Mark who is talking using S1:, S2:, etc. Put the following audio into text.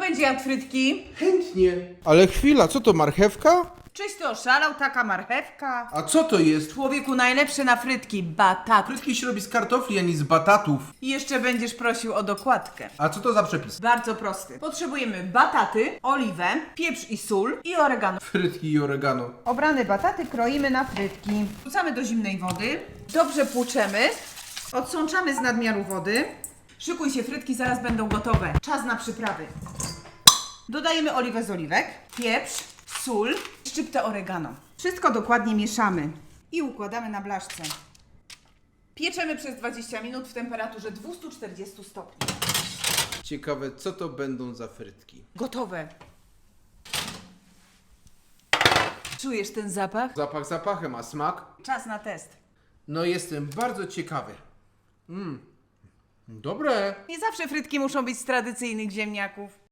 S1: będzie jadł frytki?
S2: Chętnie. Ale chwila, co to, marchewka?
S1: Czyś ty oszalał, taka marchewka?
S2: A co to jest?
S1: Człowieku, najlepsze na frytki, batat.
S2: Frytki się robi z kartofli, a nie z batatów.
S1: I jeszcze będziesz prosił o dokładkę.
S2: A co to za przepis?
S1: Bardzo prosty. Potrzebujemy bataty, oliwę, pieprz i sól i oregano.
S2: Frytki i oregano.
S1: Obrane bataty kroimy na frytki. Wrzucamy do zimnej wody. Dobrze płuczemy. Odsączamy z nadmiaru wody. Szykuj się, frytki zaraz będą gotowe. Czas na przyprawy. Dodajemy oliwę z oliwek, pieprz, sól, szczyptę oregano. Wszystko dokładnie mieszamy i układamy na blaszce. Pieczemy przez 20 minut w temperaturze 240 stopni.
S2: Ciekawe, co to będą za frytki.
S1: Gotowe. Czujesz ten zapach?
S2: Zapach zapachem, a smak?
S1: Czas na test.
S2: No jestem bardzo ciekawy. Dobre.
S1: Nie zawsze frytki muszą być z tradycyjnych ziemniaków.